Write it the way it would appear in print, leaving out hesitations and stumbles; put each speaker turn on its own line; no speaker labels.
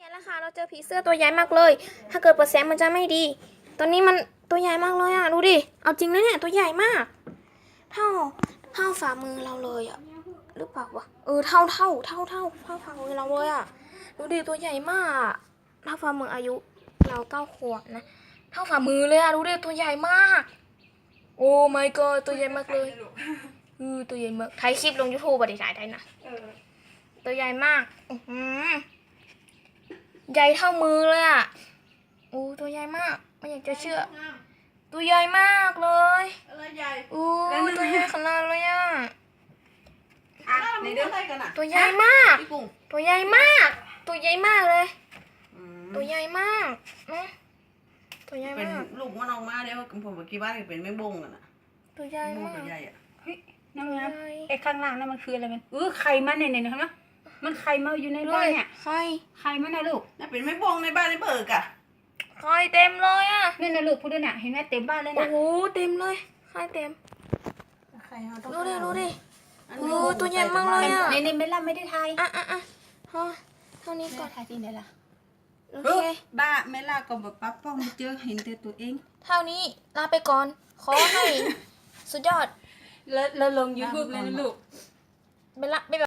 แล้วค่ะเราเจอผีเสื้อตัวใหญ่มากเลย ถ้าเกิดเปิดแสงมันจะไม่ดี ตอนนี้มันตัวใหญ่มากเลยอ่ะดูดิเอาจริงนะเนี่ยตัวใหญ่มากเท่าฝ่ามือเราเลยอ่ะหรือเปล่าวะเท่าฝ่ามือเราเลยอ่ะดูดิตัวใหญ่มากเท่าฝ่ามืออายุเรา9 ขวบนะเท่าฝ่ามือเลยอ่ะดูดิตัวใหญ่มากโอ้ my god ตัวใหญ่มากเลยตัวใหญ่มากถ่ายคลิปลง YouTube บ่ได้ถ่ายได้นะตัวใหญ่มากใหญ่เท่ามือเลยอ่ะโอ้ตัวใหญ่มากไม่อยากจะเชื่อตัวใหญ่มากเลย
อะไรใหญ่
ตัวใหญ่ขนาดเลยอ่ะ
ในเรื่องอะไรกันอ่ะ
ตัวใหญ่มากตัวใหญ่มากตัวใหญ่มากเลยตัวใหญ่มากนะตัวใหญ่
เป็น
มาก
ลูกมันออกมาเดี๋ยวผมบอกกี่บ้านเป็นไม่บงกันอ่ะ
ตัวใหญ่มาก
ตัวใหญ่อ่ะ
น้ำน้ำไอ้ข้างล่างนั่นมันคืออะไรมันไข่มันเนี่ยนะมันไข่มาอยู่ในบ้านเนี่ยไข่มันนะลูก
น่าเป็นไม่บงในบ้านในเบิกอ่ะ
ไข่เต็มเลยอ่ะ
นี่นะลูกพูดด้วยเนี่ยเห็นไหมเต็มบ้านเลยนะ
โอ้โหเต็มเลยไข่เต็มดูดิตัวใหญ่มากเลยอ่ะ
ในเมล่าไม่ได้ทาย
เท่านี้ก่อน
ทายที่ไหนล่ะ
โอเค
บ้าเมล่าก็แบบปั๊บป้องเจอเห็นแต่ตัวเอง
เท่านี้ลาไปก่อนขอให้สุดยอด
แล้วลง YouTube เลยนะลูก
ไปละ